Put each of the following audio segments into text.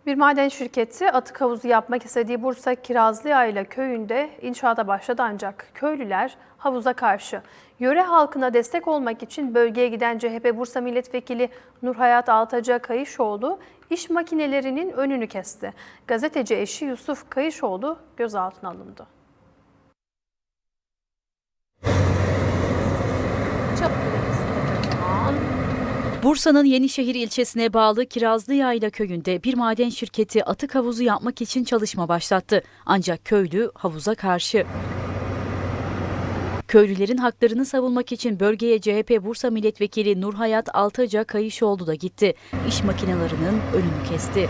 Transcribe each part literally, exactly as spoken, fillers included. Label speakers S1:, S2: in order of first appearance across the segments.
S1: Bir maden şirketi atık havuzu yapmak istediği Bursa Kirazlıyayla köyünde inşaata başladı ancak köylüler havuza karşı. Yöre halkına destek olmak için bölgeye giden C H P Bursa Milletvekili Nurhayat Altaca Kayışoğlu iş makinelerinin önünü kesti. Gazeteci eşi Yusuf Kayışoğlu gözaltına alındı.
S2: Bursa'nın Yenişehir ilçesine bağlı Kirazlıyayla köyünde bir maden şirketi atık havuzu yapmak için çalışma başlattı. Ancak köylü havuza karşı. Köylülerin haklarını savunmak için bölgeye C H P Bursa Milletvekili Nurhayat Altaca Kayışoğlu da gitti. İş makinelerinin önünü kesti.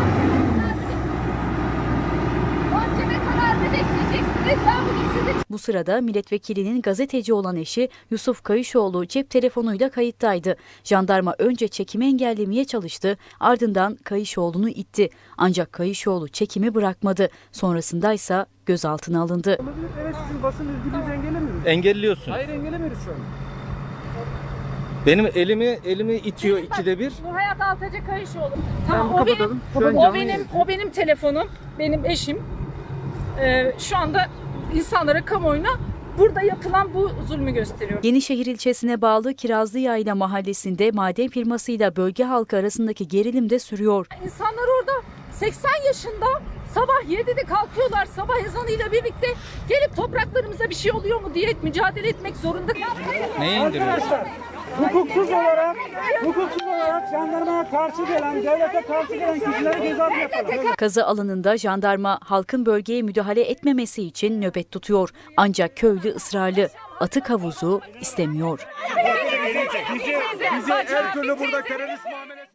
S2: Bu sırada milletvekilinin gazeteci olan eşi Yusuf Kayışoğlu cep telefonuyla kayıttaydı. Jandarma önce çekimi engellemeye çalıştı, ardından Kayışoğlu'nu itti. Ancak Kayışoğlu çekimi bırakmadı. Sonrasında ise gözaltına alındı.
S3: Evet, sizin basın özgürlüğünüzü engellemiyoruz.
S4: Engelliyorsun.
S3: Hayır, engellemiyoruz şu an.
S4: Benim elimi elimi itiyor
S5: Evet,
S4: ikide bir.
S5: Nurhayat Altaca Kayışoğlu.
S3: Tamam,
S5: Tamam, o benim,
S3: kapatalım. Şu an
S5: o
S3: canlı
S5: benim,
S3: yayın.
S5: o benim telefonum, benim eşim. Ee, şu anda insanlara, kamuoyuna burada yapılan bu zulmü gösteriyor.
S2: Yenişehir ilçesine bağlı Kirazlıyayla mahallesinde maden firmasıyla bölge halkı arasındaki gerilim de sürüyor.
S5: İnsanlar orada seksen yaşında sabah yedide kalkıyorlar, sabah ezanıyla birlikte gelip topraklarımıza bir şey oluyor mu diye mücadele etmek zorunda.
S4: Neye indiriyorsun?
S3: Arkadaşlar, hukuksuz olarak, hukuksuz olarak jandarmaya karşı gelen, devlete karşı gelen kişileri gözaltına yapalım.
S2: Kazı alanında jandarma halkın bölgeye müdahale etmemesi için nöbet tutuyor. Ancak köylü ısrarlı. Atık havuzu istemiyor.
S3: Bizi, bizi her türlü burada terörist muamelesi